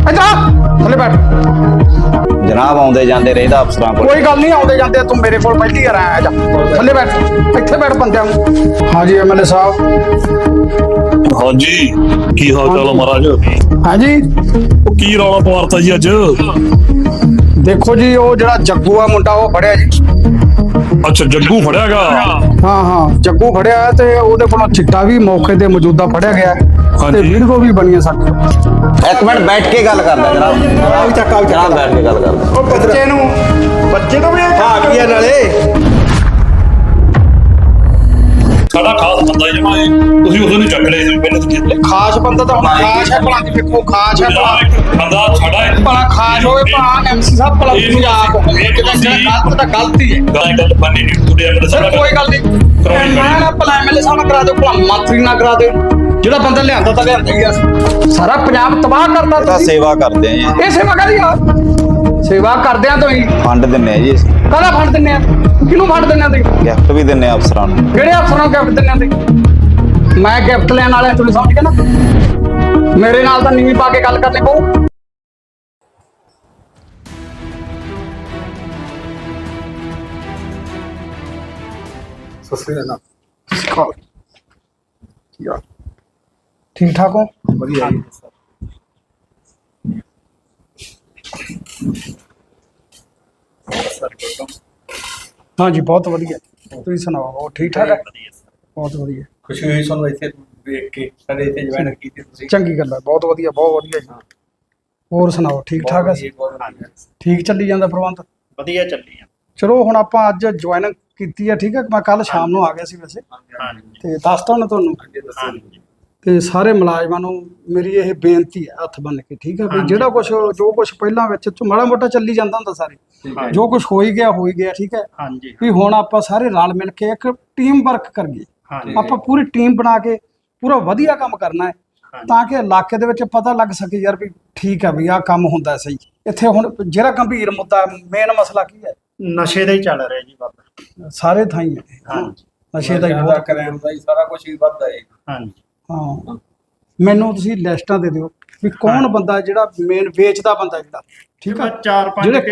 ਇੱਧਰ ਥੱਲੇ ਬੈਠ। ਜਨਾਬ ਆਉਂਦੇ ਜਾਂਦੇ ਰਹਿੰਦਾ ਅਫਸਰਾਂ ਕੋਲ। ਕੋਈ ਗੱਲ ਨਹੀਂ, ਆਉਂਦੇ ਜਾਂਦੇ ਤੂੰ ਮੇਰੇ ਕੋਲ ਪਹਿਲੀ ਵਾਰ ਆਇਆ। ਜਾ ਥੱਲੇ ਬੈਠ, ਇੱਥੇ ਬੈਠ ਬੰਦਿਆਂ ਨੂੰ। ਹਾਂਜੀ ਐਮਐਲਏ ਸਾਹਿਬ। ਹਾਂਜੀ ਕੀ ਹਾਲ ਚਾਲ ਆ ਮਹਾਰਾਜ? ਹਾਂਜੀ ਉਹ ਕੀ ਰੌਲਾ ਪਵਾਰਤਾ ਜੀ ਅੱਜ? ਦੇਖੋ ਜੀ, ਉਹ ਜਿਹੜਾ ਜੱਗੂ ਆ ਮੁੰਡਾ ਉਹ ਫੜਿਆ ਜੀ। ਅੱਛਾ ਜੱਗੂ ਫੜਿਆਗਾ? ਹਾਂ ਜੱਗੂ ਫੜਿਆ ਤੇ ਉਹਦੇ ਕੋਲੋਂ ਚਿੱਟਾ ਵੀ ਮੌਕੇ ਤੇ ਮੌਜੂਦਾ ਫੜਿਆ ਗਿਆ ਤੇ ਵੀਡੀਓ ਵੀ ਬਣੀ ਹੈ ਸਾਡੀ। ਇੱਕ ਮਿੰਟ ਬੈਠ ਕੇ ਗੱਲ ਕਰਦਾ ਜਨਾਬ। ਜਨਾਬ ਬੈਠ ਕੇ ਗੱਲ ਕਰਦਾ। ਉਹ ਬੱਚੇ ਤੋਂ ਵੀ ਭਾਗ ਗਿਆ ਨਾਲੇ। ਸਾਡਾ ਖਾਸ ਬੰਦਾ ਜਮਾ ਤੁਸੀਂ ਉਦੋਂ ਨਹੀਂ ਚੱਕ ਲਏ ਸੀ ਪਹਿਲਾਂ ਤੁਸੀਂ। ਖਾਸ ਬੰਦਾ ਤਾਂ ਹੁਣ ਖਾਸ ਹੈ ਭਲਾ, ਵੇਖੋ ਖਾਸ ਹੈ ਭਲਾ। ਬੰਦਾ ਸਾਡਾ ਹੈ ਭਲਾ ਖਾਸ ਹੋਵੇ ਭਲਾ ਐਮਸੀ ਸਾਹਿਬ ਭਲਾ ਪੰਜਾਬ ਹੋਵੇ, ਕਿਤੇ ਜਿਹੜਾ ਗਲਤ ਤਾਂ ਗਲਤੀ ਹੈ। ਗੱਲ ਬੰਨੀ ਨਹੀਂ ਤੁਹਾਡੇ ਐਮਐਲਏ ਸਰ ਸਾਹਿਬ। ਕੋਈ ਗੱਲ ਨਹੀਂ, ਮੈਂ ਨਾ ਭਲਾ ਐਮਐਲਏ ਸਾਹਿਬ ਨਾਲ ਕਰਾ ਦਿਓ, ਭਲਾ ਮੰਤਰੀ ਨਾਲ ਕਰਾ ਦਿਓ। ਜਿਹੜਾ ਬੰਦਾ ਲਿਆਂਦਾ ਤਾਂ ਲਿਆਂਦਾ ਹੀ ਆ। ਸਾਰਾ ਪੰਜਾਬ ਤਬਾਹ ਕਰਤਾ ਇਹ ਤਾਂ ਤੁਸੀਂ। ਸੇਵਾ ਕਰਦੇ ਆ ਜੀ। ਇਹ ਸੇਵਾ ਕਾਹਦੀ ਆ? ਸੇਵਾ ਕਰਦੇ ਆ ਤੁਸੀਂ। ਫੰਡ ਦਿੰਨੇ ਆ ਜੀ ਅਸੀਂ। ਕਾਹਦਾ ਫੰਡ ਦਿੰਦੇ ਆ? ਕਿਹਨੂੰ ਫੰਡ ਦਿੰਦੇ ਆ ਤੁਸੀਂ? ਗਿਫਟ ਵੀ ਦਿੰਨੇ ਆ ਅਫਸਰਾਂ ਨੂੰ। ਕਿਹੜੇ ਅਫਸਰਾਂ ਨੂੰ ਗਿਫਟ ਦਿੰਦੇ ਆ ਤੁਸੀਂ? ਮੈਂ ਗਿਫਟ ਲੈਣ ਵਾਲਾ ਤੁਸੀਂ ਸਮਝ ਗਏ ਨਾ? ਮੇਰੇ ਨਾਲ ਤਾਂ ਨੀਵੀਂ ਪਾ ਕੇ ਗੱਲ ਕਰਨੀ ਪਊ। ठीक ठाक हो? ਵਧੀਆ ਜੀ। हाँ जी बहुत वधिया। तुसीं सुनाओ, और ठीक ठाक है? बहुत वधिया। ਖੁਸ਼ੀ ਹੋਈ ਸਾਨੂੰ ਇੱਥੇ ਵੇਖ ਕੇ, ਸਾਡੇ ਇੱਥੇ ਜੁਆਇਨ ਕੀਤੀ ਤੁਸੀਂ। चंगी गल है, बहुत वधिया जी। ਹੋਰ ਸੁਣਾਓ, ਠੀਕ ਠਾਕ ਹੈ? ਠੀਕ ਚੱਲੀ ਜਾਂਦਾ ਪ੍ਰਬੰਧ? ਵਧੀਆ ਚੱਲੀ ਆ। ਚਲੋ ਹੁਣ ਆਪਾਂ ਅੱਜ ਜੁਆਇਨ ਕੀਤੀ ਹੈ, ਠੀਕ ਹੈ। ਮੈਂ ਕੱਲ ਸ਼ਾਮ ਨੂੰ ਆ ਗਿਆ ਸੀ ਵੈਸੇ, ਹਾਂਜੀ ਤੇ ਦੱਸਤਾ ਹੁਣ ਤੁਹਾਨੂੰ। ਹਾਂਜੀ ਤੇ ਸਾਰੇ ਮੁਲਾਜ਼ਮਾਂ ਨੂੰ ਮੇਰੀ ਇਹ ਬੇਨਤੀ ਹੈ ਹੱਥ ਬੰਨ ਕੇ, ਠੀਕ ਹੈ ਵੀ ਜਿਹੜਾ ਕੁਝ ਜੋ ਕੁਝ ਪਹਿਲਾਂ ਵਿੱਚ ਮਾੜਾ ਮੋਟਾ ਚੱਲੀ ਜਾਂਦਾ ਹੁੰਦਾ ਸਾਰੇ, ਜੋ ਕੁਝ ਹੋ ਹੀ ਗਿਆ, ਠੀਕ ਹੈ। ਹਾਂਜੀ ਵੀ ਹੁਣ ਆਪਾਂ ਸਾਰੇ ਰਲ ਮਿਲ ਕੇ ਇੱਕ ਟੀਮ ਵਰਕ ਕਰੀਏ। ਹਾਂਜੀ ਆਪਾਂ ਪੂਰੀ ਟੀਮ ਬਣਾ ਕੇ ਪੂਰਾ ਵਧੀਆ ਕੰਮ ਕਰਨਾ ਹੈ, ਤਾਂ ਕਿ ਇਲਾਕੇ ਦੇ ਵਿੱਚ ਪਤਾ ਲੱਗ ਸਕੇ ਯਾਰ ਵੀ ਠੀਕ ਹੈ ਵੀ ਆਹ ਕੰਮ ਹੁੰਦਾ ਸਹੀ। ਇੱਥੇ ਹੁਣ ਜਿਹੜਾ ਗੰਭੀਰ ਮੁੱਦਾ ਮੇਨ ਮਸਲਾ ਕੀ ਹੈ? ਨਸ਼ੇ ਦਾ ਹੀ ਚੱਲ ਰਿਹਾ ਜੀ ਬਾਬਾ। ਸਾਰੇ ਥਾਂ ਹੀ ਹੈ ਹਾਂਜੀ ਨਸ਼ੇ ਦਾ ਹੀ ਬਹੁਤ। ਕਰਾਉਣ ਦਾ ਹੀ ਸਾਰਾ ਕੁਝ ਹੀ ਵੱਧਦਾ ਹੈ। ਹਾਂਜੀ ਹਾਂ ਮੈਨੂੰ ਤੁਸੀਂ ਲਿਸਟਾਂ ਦੇ ਦਿਓ ਵੀ ਕੌਣ ਬੰਦਾ ਜਿਹੜਾ ਮੇਨ ਵੇਚਦਾ ਬੰਦਾ ਜਿਹੜਾ, ਠੀਕ ਹੈ। ਚਾਰ ਪੰਜ ਜਿਹੜੇ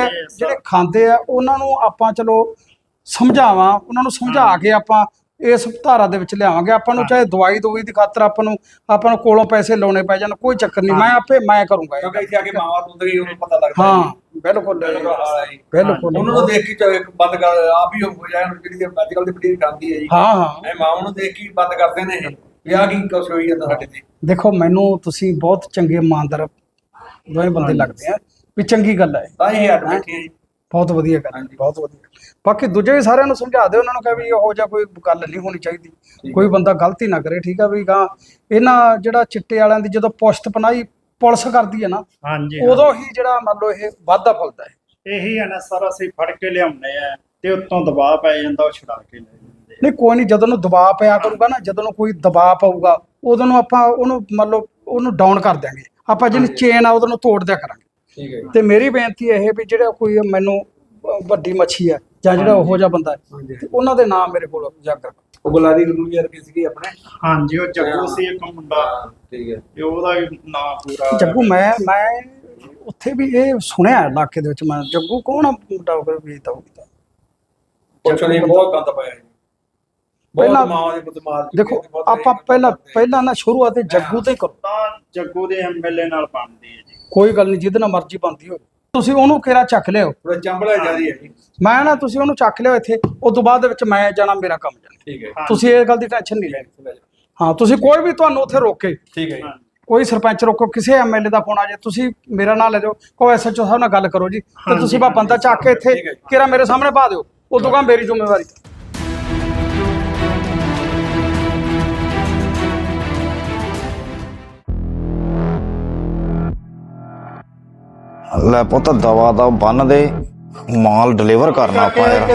ਖਾਂਦੇ ਆ ਉਹਨਾਂ ਨੂੰ ਆਪਾਂ ਚਲੋ ਸਮਝਾਵਾਂ, ਉਹਨਾਂ ਨੂੰ ਸਮਝਾ ਕੇ ਆਪਾਂ ਇਸ ਧਾਰਾ ਦੇ ਵਿੱਚ ਲਿਆਵਾਂਗੇ। ਆਪਾਂ ਨੂੰ ਚਾਹੇ ਦਵਾਈ ਦੀ ਖਾਤਰ ਆਪਾਂ ਨੂੰ ਕੋਲੋਂ ਪੈਸੇ ਲਾਉਣੇ ਪੈ ਜਾਣ, ਕੋਈ ਚੱਕਰ ਨਹੀਂ, ਮੈਂ ਕਰੂੰਗਾ। ਕਿਉਂਕਿ ਇੱਥੇ ਆ ਕੇ ਮਾਵਾਂ ਨੂੰ ਤਾਂ ਉਹਨੂੰ ਪਤਾ ਲੱਗਦਾ ਹੈ। ਹਾਂ ਬਿਲਕੁਲ ਬਿਲਕੁਲ। ਉਹਨਾਂ ਨੂੰ ਦੇਖ ਕੇ ਚਾਹੇ ਬੰਦ ਕਰ ਆਪ ਹੀ ਹੋ ਜਾਣ, ਜਿਹੜੀ ਅੱਜ ਕੱਲ ਦੀ ਪੀੜ੍ਹੀ ਖਾਂਦੀ ਹੈ ਜੀ। ਹਾਂ ਇਹ ਮਾਵਾਂ ਨੂੰ ਦੇਖ ਕੇ ਬੰਦ ਕਰਦੇ ਨੇ ਇਹ ਵੀ ਆਹ ਕੀ ਕੁਛ ਹੋਈ ਜਾਂਦਾ ਸਾਡੇ ਤੇ। ਦੇਖੋ ਮੈਨੂੰ ਤੁਸੀਂ ਬਹੁਤ ਚੰਗੇ ਇਮਾਨਦਾਰ ਦੋਵੇਂ ਬੰਦੇ ਲੱਗਦੇ ਆ, ਵੀ ਚੰਗੀ ਗੱਲ ਹੈ, ਤਾਂ ਹੀ ਹੱਟ ਬੈਠੇ ਆ ਜੀ। ਬਹੁਤ ਵਧੀਆ ਗੱਲ, ਬਹੁਤ ਵਧੀਆ। ਬਾਕੀ ਦੂਜੇ ਵੀ ਸਾਰਿਆਂ ਨੂੰ ਸਮਝਾ ਦਿਓ, ਉਹਨਾਂ ਨੂੰ ਕਹੇ ਵੀ ਇਹੋ ਜਿਹਾ ਕੋਈ ਗੱਲ ਨਹੀਂ ਹੋਣੀ ਚਾਹੀਦੀ, ਕੋਈ ਬੰਦਾ ਗਲਤੀ ਨਾ ਕਰੇ, ਠੀਕ ਆ ਵੀ। ਗਾਂ ਇਹਨਾਂ ਜਿਹੜਾ ਚਿੱਟੇ ਵਾਲਿਆਂ ਦੀ ਜਦੋਂ ਪੁਸ਼ਤ ਪਨਾਹੀ ਪੁਲਿਸ ਕਰਦੀ ਹੈ ਨਾ, ਹਾਂਜੀ ਉਦੋਂ ਹੀ ਜਿਹੜਾ ਮੰਨ ਲਓ ਇਹ ਵਾਧਾ ਫੁੱਲਦਾ ਹੈ। ਇਹੀ ਹੈ ਨਾ ਸਾਰਾ, ਅਸੀਂ ਫੜ ਕੇ ਲਿਆਉਂਦੇ ਆ ਤੇ ਉੱਤੋਂ ਦਬਾਅ ਪੈ ਜਾਂਦਾ, ਉਹ ਛੁਡਾ ਕੇ ਲੈ ਜਾਂਦੇ ਆ। ਨਹੀਂ ਕੋਈ ਨਹੀਂ, ਜਦੋਂ ਨੂੰ ਦਬਾਅ ਪਿਆ ਕਰੂਗਾ ਨਾ, ਜਦੋਂ ਨੂੰ ਕੋਈ ਦਬਾਅ ਪਊਗਾ ਉਦੋਂ ਨੂੰ ਆਪਾਂ ਉਹਨੂੰ ਮੰਨ ਲਓ ਉਹਨੂੰ ਡਾਊਨ ਕਰ ਦਿਆਂਗੇ। ਆਪਾਂ ਜਿਹੜੀ ਚੇਨ ਆ ਉਹਦੋਂ ਨੂੰ ਤੋੜ ਦਿਆ ਕਰਾਂਗੇ। ਠੀਕ ਹੈ ਤੇ ਮੇਰੀ ਬੇਨਤੀ ਇਹ ਵੀ ਜਿਹੜਾ ਕੋਈ ਮੈਨੂੰ ਵੱਡੀ ਮੱਛੀ ਹੈ ਜਾਂ ਜਿਹੜਾ ਉਹੋ ਜਿਹਾ ਬੰਦਾ ਹੈ, ਤੇ ਉਹਨਾਂ ਦੇ ਨਾਮ ਮੇਰੇ ਕੋਲ ਉਜਾਗਰ। ਉਹ ਗੁਲਾਰੀ ਨੂੰ ਯਾਰ ਕੀ ਸੀਗੀ ਆਪਣੇ? ਹਾਂਜੀ ਉਹ ਜੱਗੂ ਸੀ ਇੱਕ ਮੁੰਡਾ, ਠੀਕ ਹੈ। ਤੇ ਉਹਦਾ ਨਾਂ ਪੂਰਾ ਜੱਗੂ ਮੈਂ ਉੱਥੇ ਵੀ ਇਹ ਸੁਣਿਆ ਇਲਾਕੇ ਦੇ ਵਿੱਚ, ਮੈਂ ਜੱਗੂ ਕੌਣ ਆ ਮੁੰਡਾ ਉਹ ਵੇਚਦਾ ਹੋਊਗਾ। ਪੁੱਛ ਨਹੀਂ, ਬਹੁਤ ਗੰਦ ਪਾਇਆ ਜੀ। ਪਹਿਲਾਂ ਮਾਵਾਂ ਦੇ ਪੁੱਤ ਮਾਰ ਚੁੱਕੇ ਦੇਖੋ ਨੇ, ਬਹੁਤ ਆਪਾਂ ਪਹਿਲਾਂ ਨਾ ਸ਼ੁਰੂਆਤ ਜੱਗੂ ਤੇ ਕਰੋ। ਤਾਂ ਜੱਗੂ ਦੇ ਐਮਐਲਏ ਨਾਲ ਬਣਦੀ ਹੈ ਜੀ। ਕੋਈ ਗੱਲ ਨਹੀਂ, ਜਿਹਦੇ ਨਾਲ ਮਰਜ਼ੀ ਬਣਦੀ ਹੋਵੇ, ਤੁਸੀਂ ਉਹਨੂੰ ਕਿਹੜਾ ਚੱਕ ਲਿਓ। ਥੋੜਾ ਚੰਬਲਾ ਜਿਆਦੀ ਹੈ ਜੀ। ਮੈਂ ਨਾ ਤੁਸੀਂ ਉਹਨੂੰ ਚੱਕ ਲਿਓ ਇੱਥੇ, ਉਸ ਤੋਂ ਬਾਅਦ ਦੇ ਵਿੱਚ ਮੈਂ ਜਾਣਾ, ਮੇਰਾ ਕੰਮ ਜਾਣਾ। ਠੀਕ ਹੈ ਤੁਸੀਂ ਇਹ ਗੱਲ ਦੀ ਟੈਨਸ਼ਨ ਨਹੀਂ ਲੈਣੀ। ਹਾਂ ਤੁਸੀਂ ਕੋਈ ਵੀ ਤੁਹਾਨੂੰ ਉੱਥੇ ਰੋਕੇ, ਠੀਕ ਹੈ ਜੀ। ਕੋਈ ਸਰਪੰਚ ਰੋਕੋ, ਕਿਸੇ ਐਮਐਲਏ ਦਾ ਫੋਨ ਆ ਜਾਏ, ਤੁਸੀਂ ਮੇਰਾ ਨਾਂ ਲੈ ਜਾਓ, ਕਹੋ ਐਸਐਚਓ ਸਾਹਿਬ ਨਾਲ ਗੱਲ ਕਰੋ ਜੀ, ਤੇ ਤੁਸੀਂ ਬਾ ਬੰਦਾ ਚੱਕ ਕੇ ਇੱਥੇ ਕਿਹੜਾ ਮੇਰੇ ਸਾਹਮਣੇ ਪਾ ਦਿਓ, ਉਦੋਂ ਕਹਾਂ ਮੇਰੀ ਜ਼ਿੰਮੇਵਾਰੀ। ਲੈ ਪੁੱਤ ਦਵਾ ਦਾ ਬੰਨ ਦੇ, ਮਾਲ ਡਿਲੀਵਰ ਕਰਨਾ ਆਪਾਂ ਯਾਰ।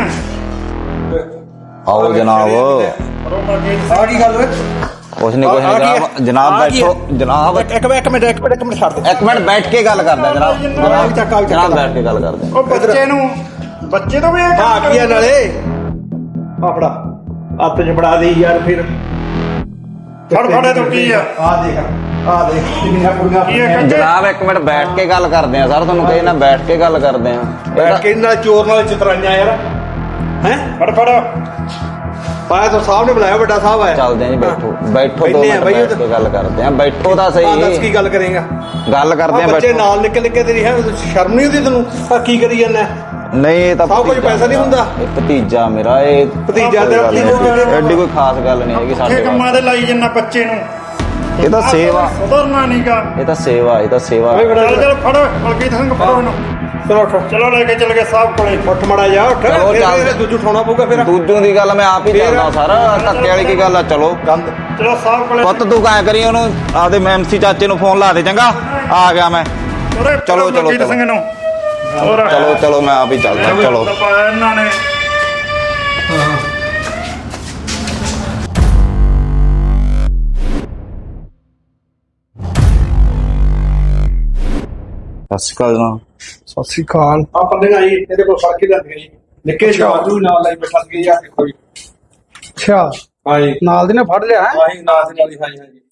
ਆਓ ਜਨਾਬ। ਆ ਕੀ ਗੱਲ ਓਏ? ਕੁਛ ਨਹੀਂ ਜਨਾਬ ਬੈਠੋ ਜਨਾਬ। ਇੱਕ ਮਿੰਟ ਛੱਡ ਦੇ। ਇੱਕ ਮਿੰਟ ਬੈਠ ਕੇ ਗੱਲ ਕਰਦਾ ਜਨਾਬ। ਜਨਾਬ ਬੈਠ ਕੇ ਗੱਲ ਕਰਦੇ। ਉਹ ਬੱਚੇ ਤੋਂ ਵੀ ਭਾਗ ਗਿਆ ਨਾਲੇ। ਆ ਫੜਾ, ਹੱਥ 'ਚ ਫੜਾ ਦੇ ਯਾਰ। ਫਿਰ ਫੜ ਤੋਂ ਕੀ ਆ? ਆ ਦੇਖ ਆ ਦੇਖ ਕਿੰਨੀਆਂ ਕੁੜੀਆਂ ਕੀ ਹੈ ਜਨਾਬ ਇੱਕ ਮਿੰਟ ਬੈਠ ਕੇ ਗੱਲ ਕਰਦੇ ਆ ਸਰ, ਤੁਹਾਨੂੰ ਕਹੀ ਨਾ ਬੈਠ ਕੇ ਗੱਲ ਕਰਦੇ ਆ। ਬੈਠ ਕੇ ਨਾਲ ਚੋਰ ਨਾਲ ਚਤਰਾਈਆਂ ਯਾਰ ਹੈ ਫੜ ਫੜ ਪਾਇਆ ਤਾਂ ਸਾਹਿਬ ਨੇ ਬੁਲਾਇਆ, ਵੱਡਾ ਸਾਹਿਬ ਆਇਆ। ਚੱਲਦੇ ਆ ਜੀ, ਬੈਠੋ ਬੈਠੋ, 2 ਬੈਠੇ ਆ ਮਿੰਟ ਬਈ, ਬੈਠ ਕੇ ਗੱਲ ਕਰਦੇ ਆ। ਬੈਠੋ ਤਾਂ ਦੱਸ ਸਹੀ, ਕੀ ਗੱਲ ਕਰੇਗਾ? ਗੱਲ ਕਰਦੇ ਆ। ਬੱਚੇ ਬੈਠੋ। ਨਾਲ ਨਿਕਲ ਨਿਕਲ ਤੇਰੀ ਹੈ, ਸ਼ਰਮ ਨਹੀਂ ਆਉਂਦੀ ਤੈਨੂੰ? ਆ ਕੀ ਕਰੀ ਜਾਂਦਾ? ਨਹੀਂ ਇਹ ਤਾਂ ਸਭ ਕੁਝ ਭਤੀਜਾ ਪੈਸਾ ਨਹੀਂ ਹੁੰਦਾ। ਇਹ ਭਤੀਜਾ ਮੇਰਾ, ਇਹ ਭਤੀਜਾ ਤੇਰਾ ਕੋਈ ਗੱਲ ਨਹੀਂ, ਐਡੀ ਕੋਈ ਖਾਸ ਗੱਲ ਨਹੀਂ ਹੈਗੀ ਸਾਡੇ ਕੰਮਾਂ ਵਾਸਤੇ। ਦੇ ਲਾਈ ਜੰਨਾ ਬੱਚੇ ਨੂੰ, ਇਹ ਤਾਂ ਸੇਵਾ, ਸੁਧਰਨਾ ਨਹੀਂਗਾ। ਇਹ ਤਾਂ ਸੇਵਾ, ਇਹ ਤਾਂ ਸੇਵਾ। ਚੱਲ ਚੱਲ ਫੜ ਮਲਕੀਤ ਸਿੰਘ, ਫੜੋ ਇਹਨੂੰ। ਚਲੋ ਉੱਠ, ਚਲੋ ਲੈ ਕੇ ਚੱਲ ਗਏ ਸਾਹਿਬ ਕੋਲੇ। ਉੱਠ ਮੜਾ ਜਾ, ਉੱਠ। ਚਲੋ ਚੱਲ। ਫਿਰ ਦੂਜੂ ਉਠਾਉਣਾ ਪਊਗਾ ਫਿਰ। ਦੂਜੋਂ ਦੀ ਗੱਲ ਮੈਂ ਆਪ ਹੀ ਕਰਦਾ ਸਰ, ਧੱਕੇ ਵਾਲੀ ਕੀ ਗੱਲ ਆ। ਚਲੋ ਗੰਦ ਚਲੋ ਸਾਹਿਬ ਕੋਲੇ। ਪੁੱਤ ਤੂੰ ਕਾਇ ਕਰੀ, ਉਹਨੂੰ ਆਪਦੇ ਐਮਸੀ ਚਾਚੇ ਨੂੰ ਫੋਨ ਲਾ ਦੇ, ਚੰਗਾ ਆ ਗਿਆ ਮੈਂ। ਉਰੇ ਚਲੋ, ਚਲੋ, ਮਲਕੀਤ ਸਿੰਘ ਨੂੰ ਹੋਰ ਚਲੋ ਚਲੋ ਮੈਂ ਆਪ ਹੀ ਚੱਲਦਾ। ਚਲੋ ਦਬਾਇਆ ਇਹਨਾਂ ਨੇ। ਸਤਿ ਸ਼੍ਰੀ ਅਕਾਲ ਜਨਾਬ। ਸਤਿ ਸ੍ਰੀ ਅਕਾਲ। ਆ ਪੰਦੇ ਆਈ ਇਹਦੇ ਕੋਲ ਫੜ ਕੇ ਲੈਂਦੇ ਜੀ, ਨਿੱਕੇ ਜਾਦੂ ਨਾਲ ਲਾਈ ਬੈਠਾ ਸੀ ਯਾਰ। ਦੇਖੋ ਜੀ, ਅੱਛਾ, ਹਾਂਜੀ ਨਾਲ ਦੀ ਨੇ ਫੜ ਲਿਆ ਹੈ। ਆਹੀ ਨਾਲ ਦੀ ਨਾਲ ਹੀ, ਹਾਂਜੀ ਹਾਂਜੀ।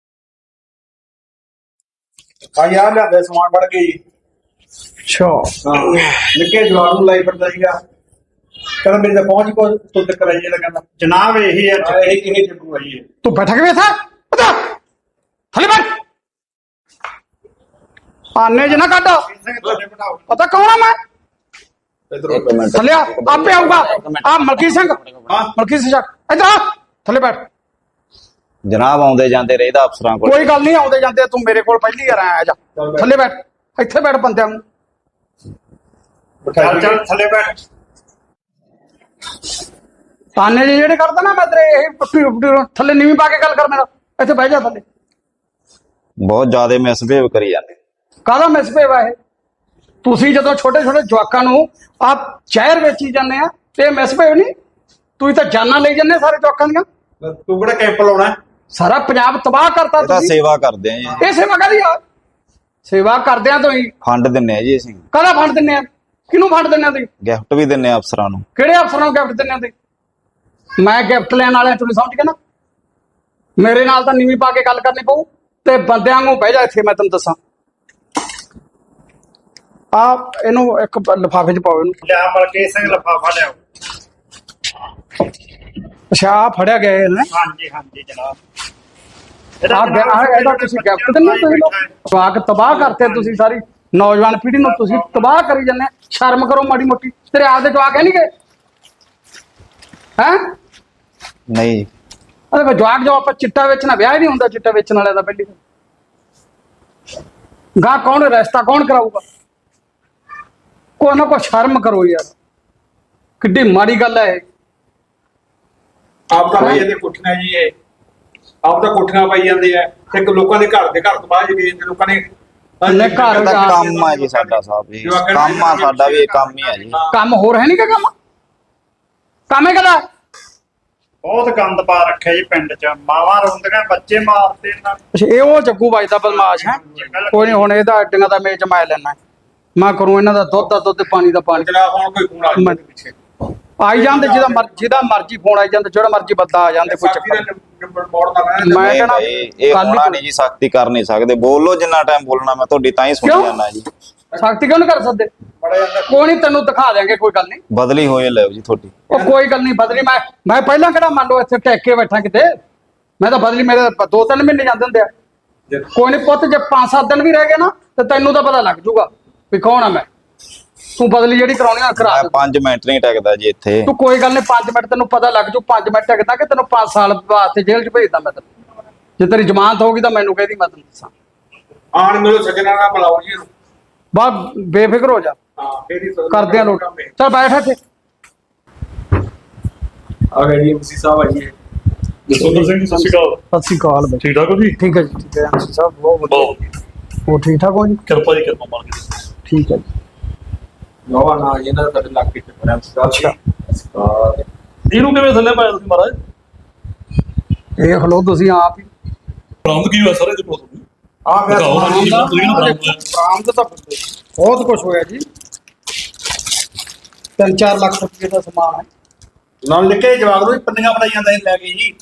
ਆ ਯਾਰ ਲਿਆਦੇ ਸਮਾਨ ਫੜ ਕੇ ਜੀ। ਅੱਛਾ, ਹਾਂ, ਨਿੱਕੇ ਜਵਾਨ ਨੂੰ ਲਾਈ ਫਿਰਦਾ ਸੀਗਾ। ਕਹਿੰਦਾ ਮੇਰੀ ਤਾਂ ਪਹੁੰਚ ਕੋ ਤੋਂ ਤੱਕ ਆਈ ਹੈ, ਕਹਿੰਦਾ ਜਨਾਬ ਇਹੀ ਹੈ ਇਹ ਜੱਗੂ ਆਈ ਹੈ। ਤੂੰ ਬੈਠਾ ਕਿਵੇਂ ਥਾ? ਪਤਾ ਥੱਲੇ ਬੈਠ। ਆਨੇ ਜਨਾ ਕੱਢ। ਸਿੰਘ ਤੁਹਾਡੇ ਬਿਠਾਓ। ਪਤਾ ਕੌਣ ਆ ਮੈਂ? ਇੱਕ ਮਿੰਟ ਥੱਲੇ ਆ, ਆਪੇ ਆਊਗਾ। ਆ ਮਲਕੀ ਸਿੰਘ, ਹਾਂ ਮਲਕੀ ਸਿੰਘ ਇੱਧਰ ਆ, ਥੱਲੇ ਬੈਠ। ਜਨਾਬ ਆਉਂਦੇ ਜਾਂਦੇ ਰਹਿਦਾ ਅਫਸਰਾਂ ਕੋਲ। ਕੋਈ ਗੱਲ ਨਹੀਂ, ਆਉਂਦੇ ਜਾਂਦੇ ਤੂੰ ਮੇਰੇ ਕੋਲ ਪਹਿਲੀ ਵਾਰ ਆਇਆ। ਜਾ ਥੱਲੇ ਬੈਠ, ਇੱਥੇ ਬੈਠ ਬੰਦਿਆਂ ਨੂੰ। ਚੱਲ ਚੱਲ ਥੱਲੇ ਬੈਠ। ਤਾਨੇ ਜਿਹੇ ਜਿਹੜੇ ਕਰਦਾ ਨਾ, ਮੈਂ ਤੇਰੇ ਇਹ ਪੁੱਟੀ ਥੱਲੇ ਨੀਵੀਂ ਪਾ ਕੇ ਗੱਲ ਕਰ ਮੇਰਾ। ਇੱਥੇ ਬਹਿ ਜਾ ਥੱਲੇ। ਬਹੁਤ ਜ਼ਿਆਦਾ ਮਿਸਬਿਹੇਵ ਕਰੀ ਜਾਂਦੇ। ਕਾਹਦਾ ਮਿਸਬਿਹੇਵ ਹੈ ਇਹ? ਤੁਸੀਂ ਜਦੋਂ ਛੋਟੇ ਛੋਟੇ ਜਵਾਕਾਂ ਨੂੰ ਆਪ ਜ਼ਹਿਰ ਵੇਚੀ ਜਾਂਦੇ ਆ ਤੇ ਮਿਸਬਿਹੇਵ ਨਹੀਂ? ਤੁਸੀਂ ਤਾਂ ਜਾਨਾਂ ਲਈ ਜਾਂਦੇ ਸਾਰੇ ਜਵਾਕਾਂ ਦੀਆਂ। ਤੂੰ ਕਿਹੜਾ ਕੈਂਪ ਲਾਉਣਾ? ਸਾਰਾ ਪੰਜਾਬ ਤਬਾਹ ਕਰਤਾ ਇਹ ਤਾਂ ਤੁਸੀਂ। ਸੇਵਾ ਕਰਦੇ ਆ ਜੀ, ਇਹ ਸੇਵਾ ਕਾਹਦੀ ਆ? ਸੇਵਾ ਕਰਦਿਆਂ ਤੋਂ ਹੀ ਫੰਡ ਦਿੰਨੇ ਆ ਜੀ ਅਸੀਂ, ਕਾਹਦਾ ਫੰਡ ਦਿੰਦੇ ਆ? ਕਿਹਨੂੰ ਫੰਡ ਦਿੰਦੇ ਆ ਤੁਸੀਂ? ਗਿਫਟ ਵੀ ਦਿੰਨੇ ਆ ਅਫਸਰਾਂ ਨੂੰ। ਕਿਹੜੇ ਅਫਸਰਾਂ ਨੂੰ ਗਿਫਟ ਦਿੰਦੇ ਆ ਤੁਸੀਂ? ਮੈਂ ਗਿਫਟ ਲੈਣ ਵਾਲਿਆਂ ਤੁਸੀਂ ਸਮਝ ਗਏ ਨਾ? ਮੇਰੇ ਨਾਲ ਤਾਂ ਨੀਵੀਂ ਪਾ ਕੇ ਗੱਲ ਕਰਨੀ ਪਊ ਤੇ ਬੰਦਿਆਂ ਨੂੰ ਬਹਿ ਜਾ ਇੱਥੇ। ਮੈਂ ਤੈਨੂੰ ਦੱਸਾਂ, ਆ ਇਹਨੂੰ ਇੱਕ ਲਿਫਾਫੇ 'ਚ ਪਾਓ ਇਹਨੂੰ। ਲਿਆ ਮਲਕੀਤ ਸਿੰਘ ਲਿਫਾਫਾ ਲਿਆਓ। ਅੱਛਾ, ਆ ਫੜਿਆ ਗਿਆ ਇਹਨੇ। ਹਾਂਜੀ ਹਾਂਜੀ ਜਨਾਬ। ਇਹਦਾ ਤੁਸੀਂ ਗਿਫਟ ਦਿੰਦੇ ਹੋ? ਤੁਸੀਂ ਲੋਕ ਜਵਾਕ ਤਬਾਹ ਕਰਤੇ ਤੁਸੀਂ, ਸਾਰੀ ਨੌਜਵਾਨ ਪੀੜ੍ਹੀ ਨੂੰ ਤੁਸੀਂ ਤਬਾਹ ਕਰੀ ਜਾਂਦੇ। ਸ਼ਰਮ ਕਰੋ ਮਾੜੀ ਮੋਟੀ। ਤੇਰੇ ਆਪਦੇ ਜਵਾਕ ਹੈ ਨਹੀਂ ਗਏ ਹੈ? ਨਹੀਂ ਅਰੇ ਜਵਾਕ ਜੋ ਆਪਾਂ ਚਿੱਟਾ ਵੇਚਣਾ, ਵਿਆਹ ਹੀ ਨਹੀਂ ਹੁੰਦਾ ਚਿੱਟਾ ਵੇਚਣ ਵਾਲਿਆਂ ਦਾ। ਪਹਿਲੀ ਗਾਹ ਕੌਣ ਰਸਤਾ ਕੌਣ ਕਰਾਊਗਾ? ਕੋਈ ਨਾ ਕੋਈ ਸ਼ਰਮ ਕਰੋ ਯਾਰ, ਕਿੱਡੀ ਮਾੜੀ ਗੱਲ ਹੈ ਇਹ। ਆਪ ਤਾਂ ਭਾਈ ਇਹਦੇ ਕੋਠੀਆਂ ਜੀ, ਇਹ ਆਪ ਤਾਂ ਕੋਠੀਆਂ ਪਾਈ ਜਾਂਦੇ ਆ। ਇੱਕ ਲੋਕਾਂ ਦੇ ਘਰ ਤਬਾਹ ਜੀ ਜਾਂਦੇ ਲੋਕਾਂ ਨੇ। ਲੈ ਘਰ ਇਹ ਤਾਂ ਕੰਮ ਆ ਜੀ ਸਾਡਾ ਸਾਹਿਬ ਜੀ, ਕੰਮ ਆ ਸਾਡਾ ਵੀ, ਇਹ ਕੰਮ ਹੀ ਆ ਜੀ। ਕੰਮ ਹੋਰ ਹੈ ਨਹੀਂ ਕਿ ਕੰਮ? ਕੰਮ ਹੈ ਕਦਾ? ਬਹੁਤ ਗੰਦ ਪਾ ਰੱਖਿਆ ਜੀ ਪਿੰਡ 'ਚ। ਮਾਵਾਂ ਰੋਂਦੀਆਂ, ਬੱਚੇ ਮਾਰਦੇ ਇਹਨਾਂ ਨੇ। ਅੱਛਾ, ਇਹ ਉਹ ਜੱਗੂ ਵੱਜਦਾ ਬਦਮਾਸ਼ ਹੈ। ਕੋਈ ਨਹੀਂ, ਹੁਣ ਇਹਦਾ ਅੱਡੀਆਂ ਦਾ ਮੇਚ ਮੈਂ ਲੈਣਾ। ਮੈਂ ਕਰੂੰ ਇਹਨਾਂ ਦਾ ਦੁੱਧ ਦਾ ਦੁੱਧ, ਪਾਣੀ ਦਾ ਪਾਣੀ। ਜਨਾਬ ਹੁਣ ਕੋਈ ਫੋਨ ਆ ਗਿਆ ਪਿੱਛੇ, ਆਈ ਜਾਂਦੇ ਜਿਹਦਾ ਮਰਜ਼ੀ ਫੋਨ ਆਈ ਜਾਂਦਾ, ਜਿਹੜਾ ਮਰਜ਼ੀ ਬੰਦਾ ਆ ਜਾਂਦੇ। ਕੋਈ ਚੱਕਰ ਨਹੀਂ। ਮੈਂ ਨਹੀਂ ਕਹਿਣਾ ਭਾਈ, ਇਹ ਹੋਣਾ ਨਹੀਂ ਜੀ, ਸਖਤੀ ਕਰ ਨਹੀਂ ਸਕਦੇ। ਬੋਲੋ ਜਿੰਨਾ ਟਾਈਮ ਬੋਲਣਾ, ਮੈਂ ਤੁਹਾਡੀ ਤਾਂ ਹੀ ਸੁਣੀ ਕਿਉਂ? ਜਾਂਦਾ ਜੀ। ਸਖਤੀ ਕਿਉਂ ਨਹੀਂ ਕਰ ਸਕਦੇ? ਕੋਈ ਨਹੀਂ, ਤੈਨੂੰ ਦਿਖਾ ਦਿਆਂਗੇ, ਕੋਈ ਗੱਲ ਨਹੀਂ। ਬਦਲੀ ਹੋਏ ਲਿਓ ਜੀ ਤੁਹਾਡੀ। ਉਹ ਕੋਈ ਗੱਲ ਨਹੀਂ ਬਦਲੀ। ਮੈਂ ਪਹਿਲਾਂ ਕਿਹੜਾ ਮੰਨ ਲਓ ਇੱਥੇ ਟੈਕ ਕੇ ਬੈਠਾ ਕਿਤੇ। ਮੈਂ ਤਾਂ ਬਦਲੀ, ਮੇਰੇ 2-3 ਮਹੀਨੇ ਜਾਂਦੇ ਹੁੰਦੇ ਆ। ਕੋਈ ਨਹੀਂ ਪੁੱਤ, ਜੇ 5-7 ਦਿਨ ਵੀ ਰਹਿ ਗਏ ਨਾ ਤੇ ਤੈਨੂੰ ਤਾਂ ਪਤਾ ਲੱਗ ਜੂਗਾ ਵੀ ਕੌਣ ਆ ਮੈਂ। ਤੂੰ ਬਦਲੀ ਜਿਹੜੀ ਕਰਾਉਣੀ ਆ ਕਰਾ ਮੈਂ ਦੇ। 5 ਮਿੰਟ ਨਹੀਂ ਟਿਕਦਾ ਜੀ ਇੱਥੇ। ਤੂੰ ਕੋਈ ਗੱਲ ਨਹੀਂ, 5 ਮਿੰਟ ਤੈਨੂੰ ਪਤਾ ਲੱਗ ਜੂ। 5 ਮਿੰਟ ਟਿਕਦਾ ਕਿ ਤੈਨੂੰ 5 ਸਾਲ ਵਾਸਤੇ ਜੇਲ੍ਹ 'ਚ ਭੇਜਦਾ ਮੈਂ ਤੈਨੂੰ। ਜੇ ਤੇਰੀ ਜ਼ਮਾਨਤ ਹੋਊਗੀ ਤਾਂ ਮੈਨੂੰ ਕਹਿਦੀ, ਮੈਂ ਤੈਨੂੰ ਦੱਸਾਂ। ਆਣ ਮਿਲੋ ਸੱਜਣਾ ਨਾਲ ਬੁਲਾਓ ਜੀ ਇਹਨੂੰ। ਬਾ ਬੇਫਿਕਰ ਹੋ ਜਾ, ਹਾਂ ਫੇਰੀ ਕਰਦੇ ਆ ਲੋਟ। ਚੱਲ ਬੈਠ ਇੱਥੇ। ਆ ਗਏ ਜੀ ਐਮਸੀ ਸਾਹਿਬ ਆਈਏ। ਜਸਵਿੰਦਰ ਸਿੰਘ ਜੀ, ਸਤਿ ਸ਼੍ਰੀ ਅਕਾਲ। ਸਤਿ ਸ਼੍ਰੀ ਅਕਾਲ ਬਾਈ। ਠੀਕ ਠਾਕ ਹੋ ਜੀ? ਠੀਕ ਹੈ ਜੀ, ਠੀਕ ਹੈ ਐਮਸੀ ਸਾਹਿਬ, ਬਹੁਤ ਵਧੀਆ। ਬਹੁਤ ਉਹ ਠੀਕ ਠਾਕ ਹੋ ਜੀ? ਕਿਰਪਾ ਜੀ, ਕਿਰਪਾ ਮਾਰ ਕੇ। ਠੀਕ ਹੈ ਜੀ। ਨਵਾਂ ਨਾ ਇਹਨਾਂ ਦਾ ਤੁਹਾਡੇ ਇਲਾਕੇ ਚ ਬਣਿਆ ਅੱਛਾ। ਇਹਨੂੰ ਕਿਵੇਂ ਥੱਲੇ ਪਾਇਆ ਤੁਸੀਂ ਮਹਾਰਾਜ? ਦੇਖ ਲਓ ਤੁਸੀਂ ਆਪ ਹੀ। ਬਰਾਮਦ ਕੀ ਹੋਇਆ ਸਾਰੇ ਦੇ ਕੋਲ ਤੁਹਾਨੂੰ? ਆ ਗਿਆ ਦਿਖਾਓ ਨਾ ਜੀ, ਤੁਸੀਂ ਨਾ ਬਰਾਮਦ ਹੋਇਆ। ਬਰਾਮਦ ਤਾਂ ਬਹੁਤ ਕੁਝ ਹੋਇਆ ਜੀ। 3-4 ਲੱਖ ਰੁਪਏ ਦਾ ਸਮਾਨ ਹੈ। ਨਾਲ ਨਿੱਕੇ ਜਵਾਕ ਨੂੰ ਪੰਨੀਆਂ ਬਣਾਈ ਜਾਂਦਾ ਸੀ ਲੈ ਕੇ ਜੀ।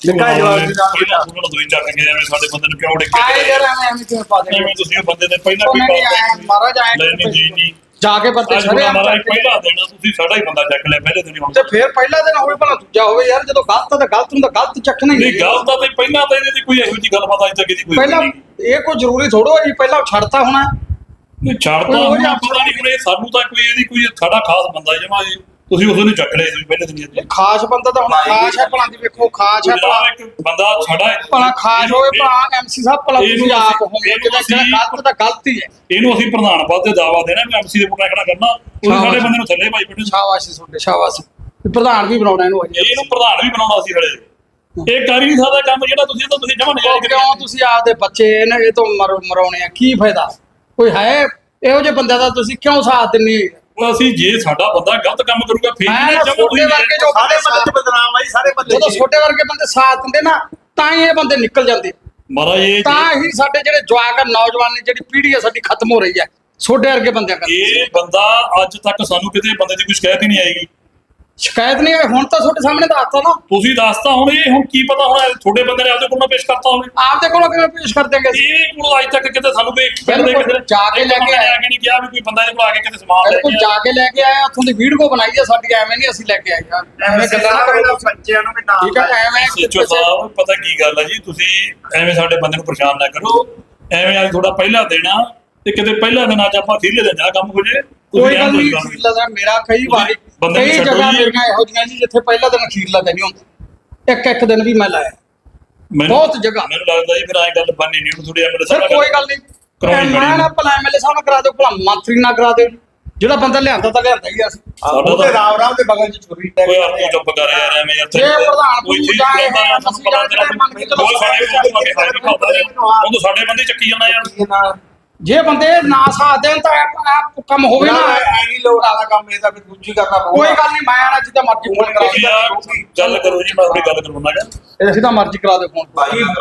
ਨਿੱਕਾ ਜਵਾਬ ਦੀ ਦਾ ਪਹਿਲਾਂ ਉਹਨਾਂ ਦੋਈ ਚੱਕ ਕੇ ਐਵੇਂ ਸਾਡੇ ਬੰਦੇ ਨੂੰ ਕਿਉਂ ਡਿੱਗੇ ਆਏ ਯਾਰ ਐਵੇਂ ਕਿਵੇਂ ਪਾ ਦੇ ਐਵੇਂ ਤੁਸੀਂ ਉਹ ਬੰਦੇ ਦੇ ਪਹਿਲਾਂ ਉਹ ਨਹੀਂ ਆਇਆ ਮਹਾਰਾਜ ਆਏ ਲੈਣੀ ਜੀ ਨਹੀਂ ਜਾ ਕੇ ਬੰਦੇ ਅੱਜ ਛੜੇ ਮਹਾਰਾਜ ਪਹਿਲਾ ਦੇਣਾ ਤੁਸੀਂ ਸਾਡਾ ਹੀ ਬੰਦਾ ਚੱਕ ਲਿਆ ਪਹਿਲੇ ਦਿਨ ਹੀ ਹੁਣ ਤੇ ਫਿਰ ਪਹਿਲਾ ਦਿਨ ਹੋਵੇ ਭਲਾ ਦੂਜਾ ਹੋਵੇ ਯਾਰ ਜਦੋਂ ਗਲਤ ਆ ਤਾਂ ਗਲਤ ਨੂੰ ਤਾਂ ਗਲਤ ਚੱਕਣਾ ਹੀ ਨਹੀਂ ਗੱਲ ਤਾਂ ਤੇ ਪਹਿਲਾਂ ਤਾਂ ਇਹਦੇ ਦੀ ਕੋਈ ਇਹੋ ਜਿਹੀ ਗੱਲਬਾਤ ਅੱਜ ਤੱਕ ਇਹਦੀ ਕੋਈ ਪਹਿਲਾਂ ਨਹੀਂ ਇਹ ਕੋਈ ਜ਼ਰੂਰੀ ਥੋੜੋ ਹੈ ਜੀ ਪਹਿਲਾਂ ਛੱਡਤਾ ਹੋਣਾ ਨਹੀਂ ਛੱਡਦਾ ਉਹ ਹੁਣ ਜਾਂ ਪਤਾ ਨਹੀਂ ਹੁਣ ਇਹ ਸਾਨੂੰ ਤਾਂ ਕੋਈ ਇਹਦੀ ਕੋਈ ਸਾਡਾ ਖਾਸ ਬੰਦਾ ਜਮਾ ਜੀ ਤੁਸੀਂ ਉਸ ਨੂੰ ਚੱਕ ਲਿਆ ਸੀ ਪਹਿਲੇ ਦਿਨ ਹੀ ਖਾਸ ਬੰਦਾ ਤਾਂ ਹੁਣ ਖਾਸ ਹੈ ਭਲਾ ਦੀ ਵੇਖੋ ਖਾਸ ਹੈ ਭਲਾ ਇੱਕ ਬੰਦਾ ਛੜਾ ਹੈ ਭਲਾ ਖਾਸ ਹੋਵੇ ਭਲਾ ਐਮਸੀ ਸਾਹਿਬ ਭਲਾ ਤੁਸੀਂ ਇਹਨੂੰ ਆਪ ਅਸੀਂ- ਹੋਵੇ ਇਹਨੂੰ ਕਿ ਅਸੀਂ- ਗਲਤ ਤਾਂ ਗਲਤ ਹੀ ਹੈ ਇਹਨੂੰ ਅਸੀਂ ਪ੍ਰਧਾਨ ਪਦ ਤੇ ਦਾਵਾ ਦੇਣਾ ਮੈਂ ਐਮਸੀ ਦੇ ਪੁੱਟਾ ਖੜਾ ਕਰਨਾ ਉਹ ਸਾਡੇ ਬੰਦੇ ਨੂੰ ਥੱਲੇ ਭਾਈ ਬੈਠੇ ਸ਼ਾਬਾਸ਼ ਜੀ ਤੁਹਾਡੇ ਸ਼ਾਬਾਸ਼ ਪ੍ਰਧਾਨ ਵੀ ਬਣਾਉਣਾ ਇਹਨੂੰ ਅਜੇ ਇਹਨੂੰ ਪ੍ਰਧਾਨ ਵੀ ਬਣਾਉਣਾ ਸੀ ਹਲੇ ਇਹ ਕਰ ਹੀ ਨਹੀਂ ਸਕਦਾ ਕੰਮ ਜਿਹੜਾ ਤੁਸੀਂ ਤਾਂ ਤੁਸੀਂ ਜਮਾ ਨਜ਼ਾਰੇ ਕਰੀ ਕਿਉਂ ਤੁਸੀਂ ਆਪਦੇ ਬੱਚੇ ਨੇ ਇਹ ਤੋਂ ਮਰਾਉਣੇ ਆ ਕੀ ਫਾਇਦਾ ਕੋਈ ਹੈ ਇਹੋ ਜਿਹੇ ਬੰਦੇ ਦਾ ਤੁਸੀਂ ਕਿਉਂ ਸਾਥ ਦਿੰਦੇ ਉਹ ਅਸੀਂ ਜੇ ਸਾਡਾ ਬੰਦਾ ਗਲਤ ਕੰਮ ਕਰੂਗਾ ਫਿਰ ਮੈਂ ਇਹਨੇ ਨਾ ਜਮਾਂ ਛੋਟੇ ਵਰਗੇ ਜੋ ਸਾਰੇ ਮੱਲੇ ਚ ਬਦਨਾਮ ਆਈ ਸਾਰੇ ਮੱਲੇ ਜਦੋਂ ਛੋਟੇ ਵਰਗੇ ਬੰਦੇ ਸਾਥ ਦਿੰਦੇ ਨਾ ਤਾਂ ਹੀ ਇਹ ਬੰਦੇ ਨਿਕਲ ਜਾਂਦੇ ਮਹਾਰਾਜ ਇਹ ਤਾਂ ਹੀ ਸਾਡੇ ਜਿਹੜੇ ਜਵਾਕ ਆ ਨੌਜਵਾਨੀ ਜਿਹੜੀ ਪੀੜ੍ਹੀ ਆ ਸਾਡੀ ਖਤਮ ਹੋ ਰਹੀ ਹੈ ਛੋਟੇ ਵਰਗੇ ਬੰਦਿਆਂ ਕਰਕੇ ਇਹ ਬੰਦਾ ਅੱਜ ਤੱਕ ਸਾਨੂੰ ਕਿਤੇ ਬੰਦੇ ਦੀ ਕੋਈ ਸ਼ਿਕਾਇਤ ਹੀ ਨਹੀਂ ਆਏਗੀ ਸ਼ਿਕਾਇਤ ਨਹੀਂ ਆਈ ਹੁਣ ਤਾਂ ਤੁਹਾਡੇ ਸਾਹਮਣੇ ਦੱਸਤਾ ਨਾ ਤੁਸੀਂ ਦੱਸਤਾ ਹੁਣ ਇਹ ਹੁਣ ਕੀ ਪਤਾ ਹੁਣ ਤੁਹਾਡੇ ਬੰਦੇ ਨੇ ਆਪਦੇ ਕੋਲ ਨਾ ਪੇਸ਼ ਕਰਤਾ ਹੋਵੇ ਆਪਦੇ ਕੋਲੋਂ ਕਿਵੇਂ ਪੇਸ਼ ਕਰ ਦਿਆਂਗੇ ਅਸੀਂ? ਇਹ ਕੋਲ ਅੱਜ ਤੱਕ ਕਿਤੇ ਸਾਨੂੰ ਕੋਈ ਬਿਲਕੁਲ, ਜਾ ਕੇ ਲੈ ਕੇ ਆ ਕੇ ਨਹੀਂ ਕਿਹਾ ਵੀ ਕੋਈ ਬੰਦਾ ਇਹਦੇ ਕੋਲ ਆ ਕੇ ਕਿਤੇ ਸਮਾਨ ਲੈ ਬਿਲਕੁਲ ਕੇ ਜਾ ਕੇ ਲੈ ਕੇ ਆਏ ਉੱਥੋਂ ਦੀ ਵੀਡੀਓ ਬਣਾਈ ਆ ਸਾਡੀ ਐਵੇਂ ਨਹੀਂ ਅਸੀਂ ਲੈ ਕੇ ਆਏ ਯਾਰ ਐਵੇਂ ਗੱਲਾਂ ਨਾ ਕਰੋ ਬੱਚਿਆਂ ਨੂੰ ਵੀ ਨਾਲ ਠੀਕ ਹੈ ਐਵੇਂ ਸੱਚੋ ਸਾਹਿਬ ਪਤਾ ਕੀ ਗੱਲ ਹੈ ਜੀ ਤੁਸੀਂ ਐਵੇਂ ਸਾਡੇ ਬੰਦੇ ਨੂੰ ਪਰੇਸ਼ਾਨ ਨਾ ਕਰੋ ਐਵੇਂ ਅੱਜ ਥੋੜਾ ਪਹਿਲਾ ਦੇਣਾ ਤੇ ਕਿਤੇ ਪਹਿਲਾ ਦਿਨ ਅੱਜ ਆਪਾਂ ਖੀਰਲੇ ਦਿਨ ਜਾ ਕੰਮ ਹੋ ਜੇ ਕੋਈ ਗੱਲ ਨਹੀਂ ਅਖੀਰਲਾ ਦਾ ਮੇਰਾ ਕਈ ਵਾਰੀ ਬੰਦੇ ਨੂੰ ਕਈ ਛੱਡੋ ਜਗ੍ਹਾ ਜੀ। ਮੇਰੀਆਂ ਇਹੋ ਜਿਹੀਆਂ ਜੀ ਜਿੱਥੇ ਪਹਿਲਾ ਦਿਨ ਅਖੀਰਲਾ ਦਿਨ ਹੀ ਹੁੰਦਾ ਇੱਕ ਦਿਨ ਵੀ ਮੈਂ ਲਾਇਆ ਮੈਨੂੰ- ਬਹੁਤ ਜਗ੍ਹਾ। ਮੈਨੂੰ ਲੱਗਦਾ ਜੀ ਫਿਰ ਐਂ ਗੱਲ ਬਣਨੀ ਨਹੀਂ ਹੁਣ ਥੋੜੀ ਐਮਐਲਏ ਸਰ ਕੋਈ ਗੱਲ ਨਹੀਂ ਕਰਾਉਣੀ ਮੈਂ ਨਾ ਪੈਣੀ। ਭਲਾ ਐਮਐਲਏ ਸਾਹਿਬ ਨਾਲ ਕਰਾ ਦਿਓ ਭਲਾ ਮੰਤਰੀ ਨਾਲ ਕਰਾ ਦਿਓ ਜਿਹੜਾ ਬੰਦਾ ਲਿਆਂਦਾ ਤਾਂ ਲਿਆਂਦਾ ਹੀ ਆ ਅਸੀਂ ਸਾਡਾ ਉਹਦੇ ਰਾਮ ਰਾਮ ਦੇ ਬਗਲ ਚ ਛੁਰੀ ਟੈਕ ਕੋਈ ਆਪਕੋ ਚੁੱਪ ਕਰ ਯਾਰ ਐਵੇਂ ਯਾਰ ਜੇ ਪ੍ਰਧਾਨ ਕੋਈ ਨੂੰ ਚੀਜ਼ ਜਾਏ ਕਰਦਾ ਸਾਨੂੰ ਅਸੀਂ ਪਤਾ ਤੇਰਾ ਮੰਨ ਕੇ ਚਲੋ ਕੋਈ ਸਾਡੇ ਕੋਲ ਆ ਕੇ ਹਾਜ਼ਰ ਕਰਦਾ ਉਹ ਸਾਡੇ ਬੰਦੇ ਚੱਕੀ ਜਾਣਾ ਯਾਰ ਜੇ ਬੰਦੇ ਨਾ ਸਾਥ ਦੇਣ ਤਾਂ ਆਪ ਕੰਮ ਹੋਵੇ ਨਾ ਐਨੀ ਲੋੜ ਵਾਲਾ ਕੰਮ ਇਹ ਤਾਂ ਫਿਰ ਦੂਜੀ ਕਰਨਾ ਕੋਈ ਗੱਲ ਨਹੀਂ ਮੈਂ ਆਣਾ ਜਿੱਦਾਂ ਮਰਜ਼ੀ ਫੋਨ ਕਰਾ ਤੁਸੀਂ ਯਾਰ ਗੱਲ ਕਰੋ ਜੀ ਮੈਂ ਆਪਣੀ ਗੱਲ ਕਰਵਾਉਣਾ ਗਾ ਦਿਓ ਅਸੀਂ ਤਾਂ ਮਰਜ਼ੀ ਕਰਾ ਦਿਓ ਫੋਨ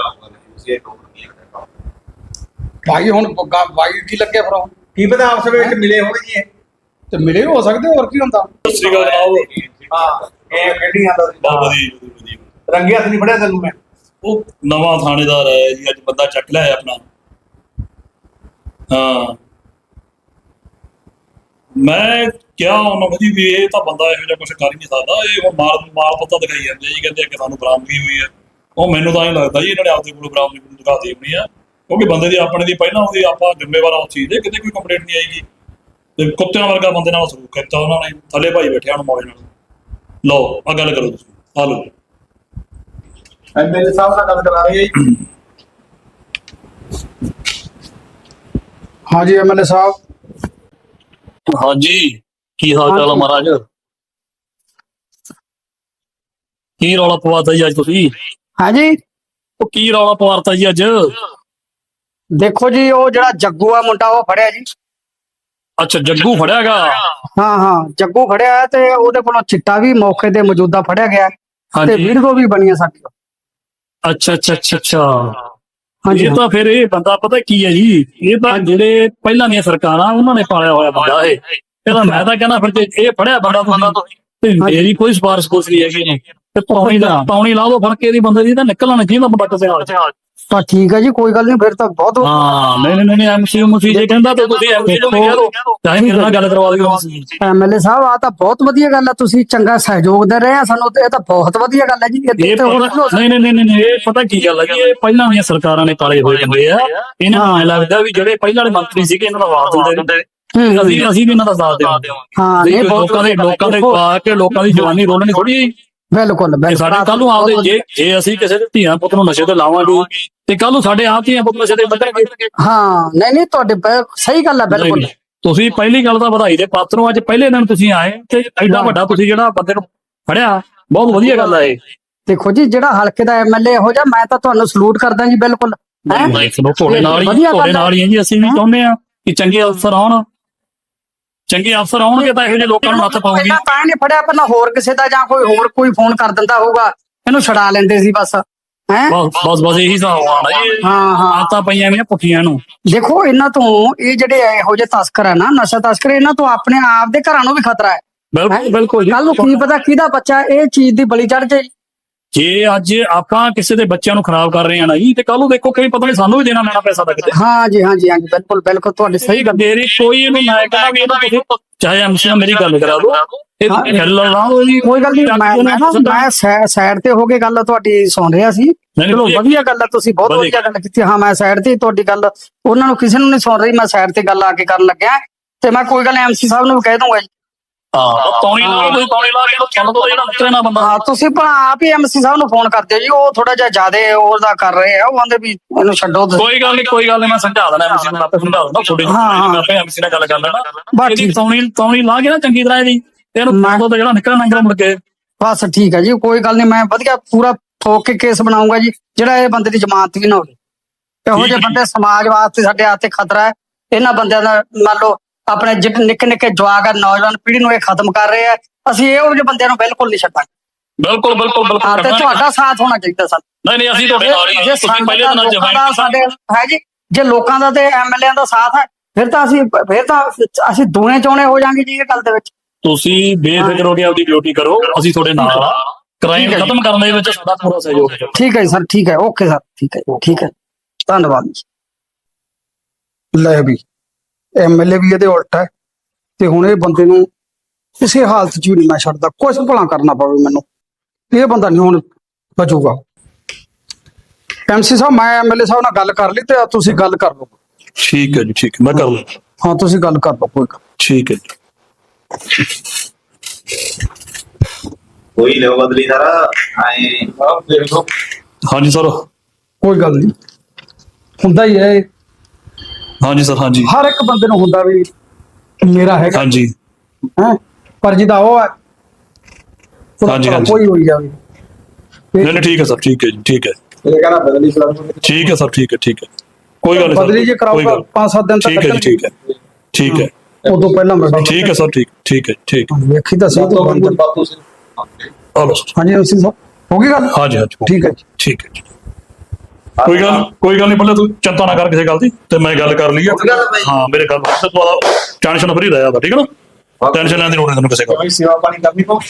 ਭਾਈ ਹੁਣ ਭਾਈ ਕੀ ਲੱਗੇ ਫਿਰ ਹੁਣ? ਕੀ ਪਤਾ ਆਪਸ ਵਿੱਚ ਮਿਲੇ ਹੋਣਗੇ ਜੀ ਇਹ। ਤੇ ਮਿਲੇ ਹੋ ਸਕਦੇ ਹੋਰ ਕੀ ਹੁੰਦਾ ਸਤਿ ਸ਼੍ਰੀ ਅਕਾਲ ਜਨਾਬ ਹਾਂ ਇਹ ਕਿਹੜੀਆਂ ਦਾ ਬਹੁਤ ਵਧੀਆ ਵਧੀਆ ਰੰਗੇ ਹੱਥ ਨਹੀਂ ਫੜਿਆ ਤੈਨੂੰ ਮੈਂ ਉਹ ਨਵਾਂ ਥਾਣੇਦਾਰ ਹੈ ਜੀ ਅੱਜ ਬੰਦਾ ਚੱਕ ਲਿਆ ਆਪਣਾ ਹਾਂ ਮੈਂ ਕਿਹਾ ਉਹਨਾਂ ਨੂੰ ਜੀ ਵੀ ਇਹ ਤਾਂ ਬੰਦਾ ਇਹੋ ਜਿਹਾ ਕੁਝ ਕਰ ਹੀ ਨਹੀਂ ਸਕਦਾ ਇਹ ਹੁਣ ਮਾਲ ਪੱਤਾ ਦਿਖਾਈ ਜਾਂਦੇ ਜੀ ਕਹਿੰਦੇ ਕਿ ਸਾਨੂੰ ਬਰਾਮਦਗੀ ਹੋਈ ਹੈ ਉਹ ਮੈਨੂੰ ਤਾਂ ਇਹ ਲੱਗਦਾ ਜੀ ਇਹਨਾਂ ਨੇ ਆਪਦੇ ਕੋਲ ਬਰਾਮਦਗੀ ਦਿਖਾਤੀ ਹੋਣੀ ਆ ਕਿਉਂਕਿ ਬੰਦੇ ਦੀ ਆਪਣੇ ਦੀ ਪਹਿਲਾਂ ਉਹਦੀ ਆਪਾਂ ਜ਼ਿੰਮੇਵਾਰ ਉਸ ਚੀਜ਼ ਦੇ ਕਿਤੇ ਕੋਈ ਕੰਪਲੇਂਟ ਨਹੀਂ ਆਏਗੀ ਤੇ ਕੁੱਤਿਆਂ ਵਰਗਾ ਬੰਦੇ ਨਾਲ ਸਲੂਕ ਕੀਤਾ ਉਹਨਾਂ ਨੇ ਥੱਲੇ ਭਾਈ ਬੈਠਿਆ ਹੁਣ ਮੌਜ ਨਾਲ ਲਓ ਆ ਗੱਲ ਕਰੋ ਤੁਸੀਂ ਆ ਲਓ ਐਮਐਲਏ ਸਾਹਿਬ ਨਾਲ ਗੱਲ ਕਰਾ ਰਹੀ ਹੈ ਜੀ ਹਾਂਜੀ ਐਮਐਲਏ ਸਾਹਿਬ ਹਾਂਜੀ ਕੀ ਹਾਲ ਚਾਲ ਆ ਮਹਾਰਾਜ ਕੀ ਰੌਲਾ ਪਵਾਤਾ ਜੀ ਅੱਜ ਤੁਸੀਂ ਹਾਂਜੀ ਉਹ ਕੀ ਰੌਲਾ ਪਵਾਤਾ ਜੀ ਅੱਜ ਦੇਖੋ ਜੀ ਉਹ ਜਿਹੜਾ ਜੱਗੂ ਆ ਮੁੰਡਾ ਉਹ ਫੜਿਆ ਜੀ ਅੱਛਾ ਜੱਗੂ ਫੜਿਆਗਾ ਹਾਂ ਹਾਂ ਜੱਗੂ ਫੜਿਆ ਹੈ ਤੇ ਉਹਦੇ ਕੋਲੋਂ ਚਿੱਟਾ ਵੀ ਮੌਕੇ ਤੇ ਮੌਜੂਦਾ ਫੜਿਆ ਗਿਆ ਹੈ ਤੇ ਹਾਂਜੀ ਵੀਡੀਓ ਵੀ ਬਣੀਆਂ ਸਾਡੀ ਅੱਛਾ ਅੱਛਾ ਅੱਛਾ ਅੱਛਾ ਹਾਂਜੀ ਇਹ ਤਾਂ ਫਿਰ ਇਹ ਬੰਦਾ ਪਤਾ ਕੀ ਹੈ ਜੀ ਇਹ ਤਾਂ ਜਿਹੜੇ ਪਹਿਲਾਂ ਦੀਆਂ ਸਰਕਾਰਾਂ ਉਹਨਾਂ ਨੇ ਪਾਲਿਆ ਹੋਇਆ ਬੰਦਾ ਇਹਦਾ ਮੈਂ ਤਾਂ ਕਹਿੰਦਾ ਫਿਰ ਜੇ ਇਹ ਫੜਿਆ ਬੰਦਾ ਤੁਸੀਂ ਤੇ ਮੇਰੀ ਕੋਈ ਸਿਫਾਰਿਸ਼ ਕੁਛ ਨਹੀਂ ਹੈਗੀ ਨੇ ਤੇ ਪੌਣੀ ਲਾ ਦੋ ਫੜ ਕੇ ਇਹਦੀ ਬੰਦੇ ਦੀ ਤਾਂ ਨਿਕਲਣਾ ਚਾਹੀਦਾ ਬੱਟ ਤੇ ਹਾਲ ਤਾਂ ਠੀਕ ਹੈ ਜੀ ਕੋਈ ਗੱਲ ਨਹੀਂ ਫਿਰ ਤਾਂ ਬਹੁਤ ਹਾਂ ਨਹੀਂ ਐਮਸੀ ਜੇ ਕਹਿੰਦਾ ਤਾਂ ਤੁਸੀਂ ਐਮਸੀ ਨੂੰ ਕਹਿ ਦੋ ਚਾਹੇ ਮੇਰੇ ਨਾਲ ਗੱਲ ਕਰਵਾ ਦਿਓ ਐਮਐਲਏ ਸਾਹਿਬ ਆ ਤਾਂ ਬਹੁਤ ਵਧੀਆ ਗੱਲ ਹੈ ਤੁਸੀਂ ਚੰਗਾ ਸਹਿਯੋਗ ਦੇ ਰਹੇ ਆ ਸਾਨੂੰ ਤੇ ਇਹ ਤਾਂ ਬਹੁਤ ਵਧੀਆ ਗੱਲ ਹੈ ਜੀ ਇਹ ਨਹੀਂ ਇਹ ਪਤਾ ਕੀ ਗੱਲ ਹੈ ਕਿ ਇਹ ਪਹਿਲਾਂ ਦੀਆਂ ਸਰਕਾਰਾਂ ਨੇ ਪਾਲੇ ਹੋਏ ਹੁੰਦੇ ਆ ਇਹਨਾਂ ਨੂੰ ਐਂ ਲੱਗਦਾ ਵੀ ਜਿਹੜੇ ਪਹਿਲਾਂ ਵਾਲੇ ਮੰਤਰੀ ਸੀਗੇ ਇਹਨਾਂ ਦਾ ਵਾਰ ਦਿੰਦੇ ਅਸੀਂ ਵੀ ਇਹਨਾਂ ਦਾ ਸਾਥ ਦੇਵਾਂਗੇ ਹਾਂ ਇਹ ਲੋਕਾਂ ਦੇ ਪਾ ਕੇ ਲੋਕਾਂ ਦੀ ਜਵਾਨੀ ਰੋਲਣੀ ਥੋੜੀ ਬਿਲਕੁਲ ਸਾਡੇ ਕੱਲ ਨੂੰ ਆਪਦੇ ਜੇ ਅਸੀਂ ਕਿਸੇ ਦੇ ਧੀਆਂ ਪੁੱਤ ਨੂੰ ਨਸ਼ੇ ਤੇ ਲਾਵਾਂਗੇ ਤੇ ਕੱਲ ਨੂੰ ਸਾਡੇ ਆਪ ਧੀਆਂ ਪੁੱਤ ਨਸ਼ੇ ਤੇ ਵੱਧਣਗੇ ਹਾਂ ਨਹੀਂ ਤੁਹਾਡੇ ਸਹੀ ਗੱਲ ਹੈ ਬਿਲਕੁਲ ਤੁਸੀਂ ਪਹਿਲੀ ਗੱਲ ਤਾਂ ਵਧਾਈ ਦੇ ਪਾਤਰ ਹੋ ਅੱਜ ਪਹਿਲੇ ਦਿਨ ਤੁਸੀਂ ਆਏ ਤੇ ਐਡਾ ਵੱਡਾ ਤੁਸੀਂ ਜਿਹੜਾ ਬੰਦੇ ਨੂੰ ਫੜਿਆ ਬਹੁਤ ਵਧੀਆ ਗੱਲ ਹੈ ਇਹ ਦੇਖੋ ਜੀ ਜਿਹੜਾ ਹਲਕੇ ਦਾ ਐਮਐਲਏ ਹੋ ਜਾ ਮੈਂ ਤਾਂ ਤੁਹਾਨੂੰ ਸਲੂਟ ਕਰਦਾ ਜੀ ਬਿਲਕੁਲ ਤੁਹਾਡੇ ਨਾਲ ਹੀ ਜੀ ਅਸੀਂ ਵੀ ਚਾਹੁੰਦੇ ਆ ਕਿ ਚੰਗੇ ਅਫਸਰ ਆਉਣ ਚੰਗੇ ਅਫਸਰ ਆਉਣਗੇ ਤਾਂ ਇਹੋ ਜਿਹੇ ਲੋਕਾਂ ਨੂੰ ਹੱਥ ਪਾਉਗੀ ਤਾਂ ਨਹੀਂ ਫੜਿਆ ਪਹਿਲਾਂ ਹੋਰ ਕਿਸੇ ਦਾ ਜਾਂ ਕੋਈ ਫੋਨ ਕਰ ਦਿੰਦਾ ਹੋਊਗਾ ਇਹਨੂੰ ਛਡਾ ਲੈਂਦੇ ਸੀ ਬਸ ਹੈ ਬਸ ਇਹੀ ਹਿਸਾਬ ਆਣਾ ਜੀ ਹਾਂ ਆਤਾਂ ਪਈਆਂ ਨੇ ਪੁੱਠੀਆਂ ਨੂੰ ਦੇਖੋ ਇਹਨਾਂ ਤੋਂ ਇਹ ਜਿਹੜੇ ਇਹੋ ਜਿਹੇ ਤਸਕਰ ਹੈ ਨਾ ਨਸ਼ਾ ਤਸਕਰ ਇਹਨਾਂ ਤੋਂ ਆਪਣੇ ਆਪ ਦੇ ਘਰਾਂ ਨੂੰ ਵੀ ਖਤਰਾ ਹੈ ਬਿਲਕੁਲ ਕੱਲ ਨੂੰ ਕੀ ਪਤਾ ਕਿਹਦਾ ਬੱਚਾ ਇਹ ਚੀਜ਼ ਦੀ ਬਲੀ ਚੜ ਜਾਏ ਜੇ ਅੱਜ ਆਪਾਂ ਕਿਸੇ ਦੇ ਬੱਚਿਆਂ ਨੂੰ ਖਰਾਬ ਕਰ ਰਹੇ ਆ ਨਾ ਜੀ, ਤੇ ਕੱਲ ਨੂੰ ਦੇਖੋ ਕਿ ਪਤਾ ਨਹੀਂ ਸਾਨੂੰ ਵੀ ਦੇਣਾ ਪੈਣਾ ਪੈਸਾ ਤਾਂ ਕਿਤੇ। ਹਾਂ ਜੀ ਬਿਲਕੁਲ ਬਿਲਕੁਲ ਤੁਹਾਡੀ ਸਹੀ ਗੱਲ। ਮੇਰੀ ਕੋਈ ਇਹਨੂੰ ਮੈਂ ਕਹਿੰਦਾ ਵੀ ਇਹਨੂੰ ਤੁਸੀਂ ਚਾਹੇ ਐਮਸੀ ਨਾਲ ਮੇਰੀ ਗੱਲ ਕਰਾ ਦਿਓ, ਇਹ ਗੱਲ ਲਾਓ ਜੀ, ਕੋਈ ਗੱਲ ਨਹੀਂ। ਮੈਂ ਸਾਈਡ ਤੇ ਹੋ ਕੇ ਗੱਲ ਤੁਹਾਡੀ ਸੁਣ ਰਿਹਾ ਸੀ। ਚਲੋ ਵਧੀਆ ਗੱਲ ਹੈ, ਤੁਸੀਂ ਬਹੁਤ ਵਧੀਆ ਗੱਲ ਕੀਤੀ। ਹਾਂ ਮੈਂ ਸਾਈਡ ਤੇ ਤੁਹਾਡੀ ਗੱਲ ਉਹਨਾਂ ਨੂੰ ਕਿਸੇ ਨੂੰ ਨਹੀਂ ਸੁਣ ਰਹੀ, ਮੈਂ ਸਾਈਡ ਤੇ ਗੱਲ ਆ ਕੇ ਕਰਨ ਲੱਗਿਆ ਤੇ ਮੈਂ ਕੋਈ ਗੱਲ ਐਮਸੀ ਸਾਹਿਬ ਨੂੰ ਵੀ ਕਹਿ ਦੂੰਗਾ ਜੀ। ਹਾਂ ਤੌਣੀ ਲਾ ਕੇ ਤੁਹਾਨੂੰ ਤਾਂ ਜਿਹੜਾ ਨਿਕਲੇ ਨਾ ਬੰਦਾ। ਹਾਂ ਤੁਸੀਂ ਆਪ ਹੀ ਐਮਸੀ ਸਾਹਿਬ ਨੂੰ ਫੋਨ ਕਰਦੇ ਜੀ, ਉਹ ਥੋੜਾ ਜਿਹਾ ਜ਼ਿਆਦਾ ਉਹਦਾ ਕਰ ਰਹੇ ਆ, ਉਹ ਕਹਿੰਦੇ ਵੀ ਇਹਨੂੰ ਛੱਡੋ। ਕੋਈ ਗੱਲ ਨਹੀਂ ਮੈਂ ਸਮਝਾ ਦੇਣਾ ਐਮਸੀ ਨੂੰ, ਆਪੇ ਸਮਝਾ ਦੇਣਾ ਥੋੜੀ ਮੈਂ ਆਪੇ ਐਮਸੀ ਨਾਲ ਗੱਲ ਕਰ ਲੈਣਾ। ਬਾਕੀ ਤੌਣੀ ਲਾ ਕੇ ਨਾ ਚੰਗੀ ਤਰ੍ਹਾਂ ਇਹਦੀ ਇਹਨੂੰ ਮਾਰੋ ਤਾਂ ਜਿਹੜਾ ਨਿਕਲਣਾ ਨਿਕਲ ਮੁੜ ਕੇ। ਬਸ ਠੀਕ ਹੈ ਜੀ, ਕੋਈ ਗੱਲ ਨਹੀਂ, ਮੈਂ ਵਧੀਆ ਪੂਰਾ ਠੋਕ ਕੇ ਕੇਸ ਬਣਾਉਂਗਾ ਜੀ, ਜਿਹੜਾ ਇਹ ਬੰਦੇ ਦੀ ਜ਼ਮਾਨਤ ਵੀ ਨਾ ਹੋਵੇ। ਇਹੋ ਜਿਹੇ ਬੰਦੇ ਸਮਾਜ ਵਾਸਤੇ ਸਾਡੇ ਹੱਥ ਤੇ ਖਤਰਾ ਹੈ। ਇਹਨਾਂ ਬੰਦਿਆਂ ਦਾ ਮੰਨ ਲਓ ਆਪਣੇ ਜਿਹੜੇ ਨਿੱਕੇ ਨਿੱਕੇ ਜਵਾਕ ਆ, ਨੌਜਵਾਨ ਪੀੜ੍ਹੀ ਨੂੰ ਇਹ ਖਤਮ ਕਰ ਰਹੇ ਆ। ਅਸੀਂ ਇਹੋ ਜਿਹੇ ਬੰਦਿਆਂ ਨੂੰ ਬਿਲਕੁਲ ਨਹੀਂ ਛੱਡਾਂਗੇ। ਬਿਲਕੁਲ ਤੇ ਤੁਹਾਡਾ ਸਾਥ ਹੋਣਾ ਚਾਹੀਦਾ ਸਾਨੂੰ। ਨਹੀਂ ਅਸੀਂ ਤੁਹਾਡੇ ਨਾਲ ਹੀ ਹਾਂ। ਜੇ ਸਾਡੇ ਹੈ ਜੀ, ਜੇ ਲੋਕਾਂ ਦਾ ਤੇ ਐਮਐਲਏ ਦਾ ਸਾਥ ਹੈ, ਫਿਰ ਤਾਂ ਅਸੀਂ ਦੋਨੇ ਚੋਣੇ ਹੋ ਜਾਾਂਗੇ ਜੀ ਇਹ ਗੱਲ ਦੇ ਵਿੱਚ। ਤੁਸੀਂ ਬੇਫਿਕਰ ਹੋ ਕੇ ਆਪਦੀ ਡਿਊਟੀ ਕਰੋ, ਅਸੀਂ ਤੁਹਾਡੇ ਨਾਲ ਆ। ਕ੍ਰਾਈਮ ਖਤਮ ਕਰਨ ਦੇ ਵਿੱਚ ਸਾਡਾ ਪੂਰਾ ਸਹਿਯੋਗ ਹੈ। ਠੀਕ ਹੈ ਸਰ, ਠੀਕ ਹੈ, ਓਕੇ ਸਰ, ਠੀਕ ਹੈ ਧੰਨਵਾਦ ਜੀ। ਲੈ ਵੀ ਐਮਐਲਏ ਵੀ ਇਹਦੇ ਉਲਟ ਹੈ, ਤੇ ਹੁਣ ਇਹ ਬੰਦੇ ਨੂੰ ਕਿਸੇ ਹਾਲਤ 'ਚ ਵੀ ਨਹੀਂ ਮੈਂ ਛੱਡਦਾ, ਕੁਛ ਭਲਾ ਕਰਨਾ ਪਵੇ ਮੈਨੂੰ। ਇਹ ਬੰਦਾ ਨਹੀਂ ਹੁਣ ਬਚੂਗਾ। ਐਮਸੀ ਸਾਹਿਬ ਮੈਂ ਐਮਐਲਏ ਸਾਹਿਬ ਨਾਲ ਗੱਲ ਕਰ ਲਈ, ਤੇ ਤੁਸੀਂ ਗੱਲ ਕਰ ਲਓ। ਠੀਕ ਹੈ ਜੀ, ਠੀਕ ਹੈ, ਮੈਂ ਕਰ ਲਵਾਂ। ਹਾਂ ਤੁਸੀਂ ਗੱਲ ਕਰ ਲਓ, ਕੋਈ ਗੱਲ। ਠੀਕ ਹੈ ਜੀ। ਕੋਈ ਲਿਓ ਬਦਲੀ ਸਾਰਾ ਆਏ ਦੇਖ ਲਓ। ਹਾਂਜੀ ਸਰ। ਕੋਈ ਗੱਲ ਨਹੀਂ, ਹੁੰਦਾ ਹੀ ਹੈ। ਹਾਂਜੀ ਸਰ। ਹਾਂਜੀ ਹਰ ਇੱਕ ਬੰਦੇ ਨੂੰ ਹੁੰਦਾ ਵੀ ਮੇਰਾ ਹੈਗਾ ਹਾਂਜੀ ਹੈ, ਪਰ ਜਿਹਦਾ ਉਹ ਹੈ ਹਾਂਜੀ, ਕੋਈ ਹੋਈ ਜਾਵੇ। ਨਹੀਂ ਠੀਕ ਹੈ ਸਰ, ਠੀਕ ਹੈ ਜੀ, ਠੀਕ ਹੈ। ਇਹ ਕਹਿੰਦਾ ਬਦਲੀ ਠੀਕ ਹੈ ਸਰ, ਠੀਕ ਹੈ। ਕੋਈ ਗੱਲ ਨਹੀਂ ਬਦਲੀ ਜੇ ਕਰਾਊਗਾ 5-7 ਦਿਨ ਤੱਕ। ਠੀਕ ਹੈ ਜੀ, ਠੀਕ ਹੈ। ਉਦੋਂ ਪਹਿਲਾਂ ਮੈਂ ਠੀਕ ਹੈ ਸਰ, ਠੀਕ ਹੈ। ਵੇਖੀ ਤਾਂ ਸਹੀ ਤੋਂ ਬੰਦ। ਹਲੋ ਹਾਂਜੀ ਐਮਸੀ ਸਾਹਿਬ, ਹੋ ਗਈ ਗੱਲ? ਹਾਂਜੀ ਠੀਕ ਹੈ ਜੀ। ਠੀਕ ਹੈ ਜੀ। ਕੋਈ ਗੱਲ ਨਹੀਂ, ਪਹਿਲੇ ਤੂੰ ਚਿੰਤਾ ਨਾ ਕਰ ਕਿਸੇ ਗੱਲ ਦੀ, ਤੇ ਮੈਂ ਗੱਲ ਕਰ ਲਈ ਆ। ਹਾਂ ਮੇਰੇ ਗੱਲ ਟੈਨਸ਼ਨ ਫਰੀ ਰਹਿਆ, ਠੀਕ ਹੈ ਨਾ? ਟੈਨਸ਼ਨ ਲੈਣ ਦੀ ਲੋੜ ਨਹੀਂ ਤੈਨੂੰ ਕਿਸੇ ਗੱਲ। ਸੇਵਾ ਪਾਣੀ ਕਰਨੀ ਪਊ।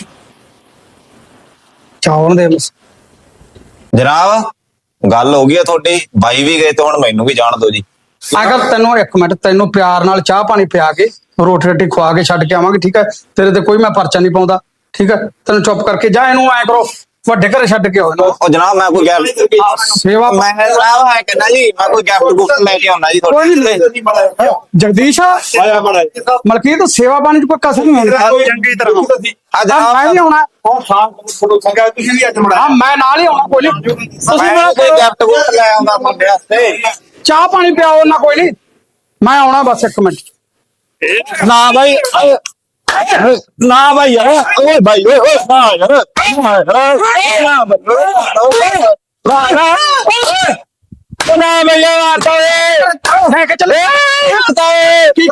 ਚਾਵਣ ਦੇ ਜਨਾਬ ਗੱਲ ਹੋ ਗਈ ਆ ਤੁਹਾਡੀ, ਬਾਈ ਵੀ ਗਏ ਤੇ ਹੁਣ ਮੈਨੂੰ ਵੀ ਜਾਣ ਦਿਓ ਜੀ। ਅਗਰ ਤੈਨੂੰ ਇੱਕ ਮਿੰਟ, ਤੈਨੂੰ ਪਿਆਰ ਨਾਲ ਚਾਹ ਪਾਣੀ ਪਿਆ ਕੇ ਰੋਟੀ ਰੋਟੀ ਖਵਾ ਕੇ ਛੱਡ ਕੇ ਆਵਾਂਗੇ, ਠੀਕ ਹੈ? ਤੇਰੇ ਤੇ ਕੋਈ ਮੈਂ ਪਰਚਾ ਨਹੀਂ ਪਾਉਂਦਾ, ਠੀਕ ਹੈ? ਤੈਨੂੰ ਚੁੱਪ ਕਰਕੇ ਜਾ, ਇਹਨੂੰ ਐ ਕਰੋ ਵੱਡੇ ਘਰੇ ਛੱਡ ਕੇ ਆਓ। ਉਹ ਜਨਾਬ ਮੈਂ ਕੋਈ ਸੇਵਾ ਮੈਂ ਕਹਿੰਦਾ ਜੀ, ਮੈਂ ਕੋਈ ਗਿਫਟ ਗੁਫਟ ਲੈ ਕੇ ਆਉਣਾ ਜੀ ਤੁਹਾਡੇ। ਜਗਦੀਸ਼ ਮਲਕੀਤ, ਸੇਵਾ ਪਾਣੀ ਚ ਕੋਈ ਕਸਰ ਨਹੀਂ ਹੁੰਦੀ। ਚੰਗੀ ਤਰ੍ਹਾਂ ਮੈਂ ਵੀ ਆਉਣਾ, ਤੁਸੀਂ ਵੀ ਅੱਜ ਹਾਂ ਮੈਂ ਨਾਲ ਹੀ ਆਉਣਾ, ਕੋਈ ਨਹੀਂ। ਤੁਸੀਂ ਮੇਰਾ ਕੋਈ ਗਿਫਟ ਗੁਫਟ ਲੈ ਆਉਂਦਾ ਤੁਹਾਡੇ ਵਾਸਤੇ। ਚਾਹ ਪਾਣੀ ਪਿਆਓ ਨਾ, ਕੋਈ ਨਹੀਂ, ਮੈਂ ਆਉਣਾ ਬਸ 1 ਮਿੰਟ। ਨਾ ਬਾਈ ਯਾਰ, ਓਏ ਬਾਈ ਓਏ ਨਾ ਯਾਰ, ਨਾ ਬਈ ਮਾਰਤਾ ਓਏ, ਲੈ ਕੇ ਚੱਲੇ ਕੀ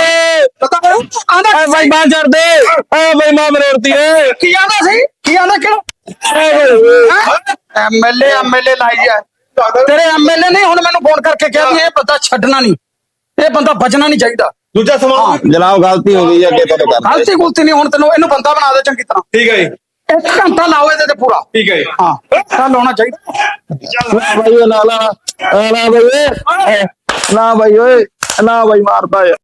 ਆਂਦਾ ਬਾਈ ਮਾਂ ਛੱਡ ਦੇ, ਓ ਬਾਈ ਮਾਂ ਮਰੋੜਤੀ ਏ। ਕੀ ਆਂਦਾ ਸੀ? ਕੀ ਆਂਦਾ? ਕਿਹੜਾ ਐਮਐਲਏ ਲਾਈ ਆ ਤੇਰੇ? ਐਮਐਲਏ ਨਹੀਂ ਹੁਣ ਮੈਨੂੰ ਫੋਨ ਕਰਕੇ ਕਿਹਾ ਵੀ ਇਹ ਬੰਦਾ ਛੱਡਣਾ ਨਹੀਂ, ਇਹ ਬੰਦਾ ਬਚਣਾ ਨਹੀਂ ਚਾਹੀਦਾ। ਦੂਜਾ ਸਮਾਨ ਜਨਾਬ ਗਲਤੀ ਹੋ ਗਈ ਅੱਗੇ ਤੁਹਾਡੇ ਕਰ। ਗਲਤੀ ਗੁਲਤੀ ਨਹੀਂ, ਹੁਣ ਤੈਨੂੰ ਇਹਨੂੰ ਬੰਦਾ ਬਣਾ ਦੇ ਚੰਗੀ ਤਰ੍ਹਾਂ। ਠੀਕ ਹੈ ਜੀ, 1 ਘੰਟਾ ਲਾਓ ਇਹਦੇ ਤੇ ਪੂਰਾ। ਠੀਕ ਹੈ ਜੀ। ਹਾਂ ਚੱਲ ਹੋਣਾ ਚਾਹੀਦਾ। ਬਾਈ ਲਾ ਬਾਈ ਓਏ, ਨਾ ਬਾਈ ਓਏ, ਨਾ ਬਾਈ ਮਾਰਦਾ ਏ।